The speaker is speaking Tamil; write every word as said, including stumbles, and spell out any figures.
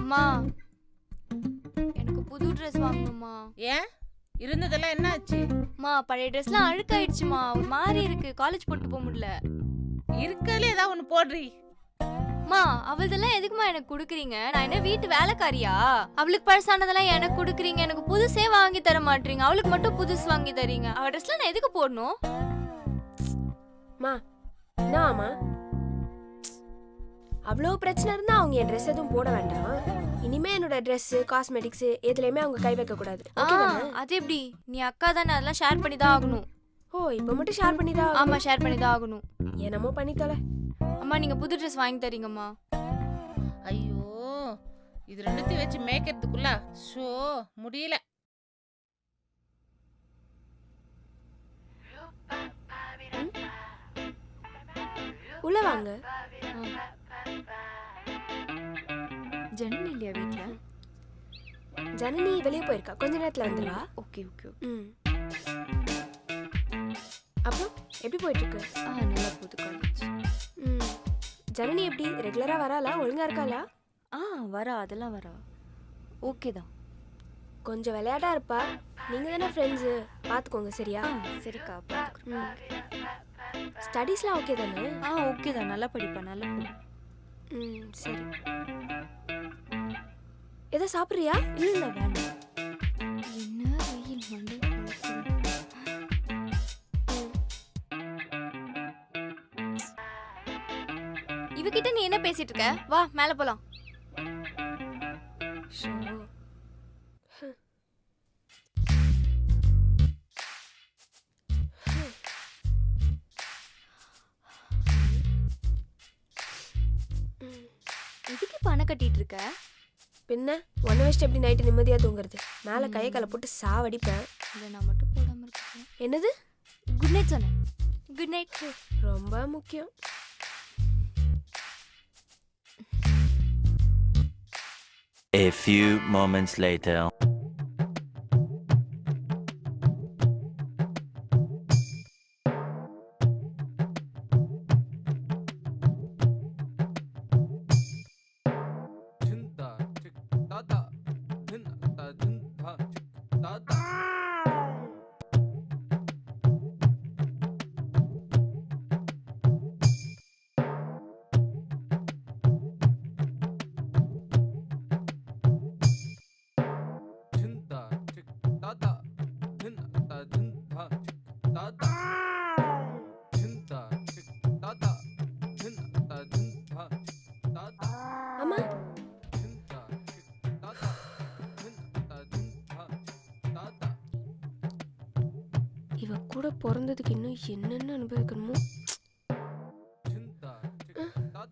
அம்மா எனக்கு புது ட்ரெஸ் வாங்கணுமா. ஏன் இருந்ததெல்லாம் என்ன ஆச்சு? அம்மா பழைய ட்ரெஸ்லாம் அழுக்காயிடுச்சுமா, ஒரு மாதிரி இருக்கு, காலேஜ் போட்டு போக முடியல. இருக்கல ஏதாவது ஒண்ணு போடுறி. அம்மா அவள்தெல்லாம் எதுக்குமா எனக்கு குடுக்குறீங்க? நான் என்ன வீட்டு வேலைக்காரியா? அவளுக்கு பழசானதெல்லாம் எனக்கு குடுக்குறீங்க, எனக்கு புதுசே வாங்கி தர மாட்டீங்க, அவளுக்கு மட்டும் புதுசு வாங்கி தரீங்க. அவ ட்ரெஸ்லாம் நான் எதுக்கு போடணும்? மா என்னம்மா அவ்வளோ பிரச்சனை இருந்தா அவங்க என் ட்ரெஸ் எதுவும் போட வேண்டாம். இனிமே என்னோட ட்ரெஸ் காஸ்மெட்டிக்ஸ் எதுலையுமே அவங்க கை வைக்க கூடாது. அது எப்படி? நீ அக்கா தானே, அதெல்லாம் ஷேர் பண்ணி தான் ஆகணும். ஓ இப்போ மட்டும் ஷேர் பண்ணி தான்? ஆமா ஷேர் பண்ணி தான் ஆகணும். என்னமோ பண்ணி தொலை. அம்மா நீங்க புது ட்ரெஸ் வாங்கி தரீங்கம்மா. ஐயோ இது ரெண்டுத்தையும் வச்சு மேய்க்கிறதுக்குள்ள ஷோ முடியல. உள்ள வாங்க. ஜனனி இல்லையா வீட்ல? ஜனனி வெளியே போயிருக்கா, கொஞ்ச நேரத்துல வந்துடுவா. ஓகே ஓகே ம் அப்புறம் எப்படி போயிட்டு இருக்கு? ஆ நல்லா போகுது காலேஜ். ம் ஜனனி எப்படி ரெகுலரா வராளா, ஒழுங்கா இருக்காளா? ஆ வரா, அதெல்லாம் வரா, ஓகே தான். கொஞ்சம் விளையாட்டா இருப்பா. நீங்க தானே ஃப்ரெண்ட்ஸு, பார்த்துக்கோங்க சரியா? சரிக்கா பார்த்துக்குறேன். ஸ்டடீஸ்லாம் ஓகே தானே? ஆ ஓகே தான், நல்லா படிப்பா, நல்லா போகும். ம் சரி. எதை சாப்பிட்றியா? இல்லை இல்லை வேண்டாம். என்ன வெயில் மண்டை குழப்புது. இவகிட்ட நீ என்ன பேசிட்டு இருக்க? வா மேலே போலாம். ஷோ எதுக்கு பணம் கட்டிட்டு இருக்க? பின்ன ஒன்றை வச்சுட்டு எப்படி நைட்டு நிம்மதியாக தூங்குறது? மேலே கையை கலை போட்டு சாவடிப்பேன். இதை நான் மட்டும் போடாமல் இருக்கேன். என்னது? குட் நைட் சொன்னேன். Good night. ரொம்ப முக்கியம். A few moments later. அம்மா இவ கூட பிறந்ததுக்கு இன்னும் என்னென்ன அனுபவிக்கணுமோ.